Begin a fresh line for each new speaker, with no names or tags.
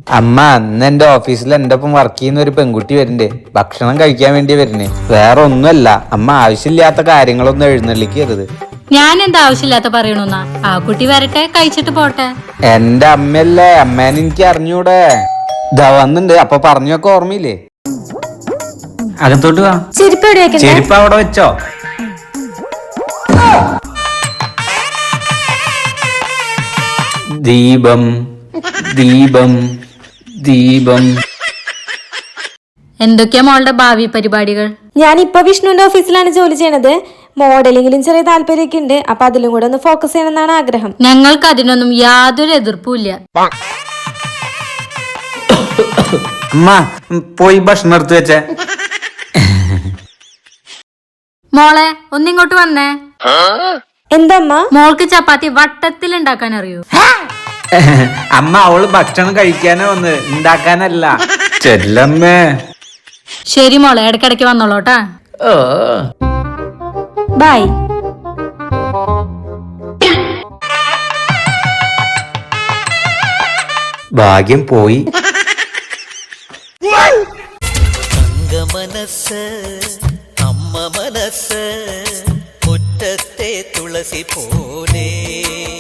അമ്മ അന്ന് എന്റെ ഓഫീസിൽ എന്റെ ഒപ്പം വർക്ക് ചെയ്യുന്ന ഒരു പെൺകുട്ടി വരുന്നുണ്ട്. ഭക്ഷണം കഴിക്കാൻ വേണ്ടി വരുന്നേ. വേറെ ഒന്നുമല്ല, അമ്മ ആവശ്യമില്ലാത്ത കാര്യങ്ങളൊന്നും എഴുന്നള്ളിക്കരുത്.
ഞാൻ എന്താ ആവശ്യമില്ലാത്ത പറയണോന്നാ? ആ കുട്ടി വരട്ടെ, കഴിച്ചിട്ട് പോട്ടെ.
എന്റെ അമ്മയല്ലേ, അമ്മേനെ എനിക്ക് അറിഞ്ഞൂടെ? ഇതാ വന്നിണ്ട്. അപ്പൊ പറഞ്ഞൊക്കെ ഓർമ്മയില്ലേ? അകത്തോട്ട് വാ. ചെരുപ്പ് അവിടെ വെച്ചോ. ദീപം ദീപം ദീപം.
എന്തൊക്കെയാ മോളുടെ ഭാവി പരിപാടികൾ?
ഞാനിപ്പോ വിഷ്ണുവിന്റെ ഓഫീസിലാണ് ജോലി ചെയ്യണത്. മോഡലിംഗിലും ചെറിയ താല്പര്യമൊക്കെ ഉണ്ട്. അപ്പൊ അതിലും കൂടെ ഒന്ന് ഫോക്കസ് ചെയ്യണമെന്നാണ് ആഗ്രഹം.
ഞങ്ങൾക്ക് അതിനൊന്നും യാതൊരു എതിർപ്പുമില്ല.
അമ്മ പോയി ഭക്ഷണം എടുത്ത് വെച്ചേ.
മോളെ ഒന്നിങ്ങോട്ട് വന്നേ.
എന്തമ്മ?
മോൾക്ക് ചപ്പാത്തി വട്ടത്തിൽ ഉണ്ടാക്കാൻ അറിയൂ?
അമ്മ അവള് ഭക്ഷണം കഴിക്കാനേ വന്ന്, ഉണ്ടാക്കാനല്ല. ചെല്ലമ്മേ.
ശരി മോളെ, ഇടയ്ക്കിടയ്ക്ക് വന്നോളൂട്ടാ.
ബൈ.
ഭാഗ്യം പോയി.
മനസ്സ് അമ്മ മനസ്സ് മുറ്റത്തെ തുളസി പോലെ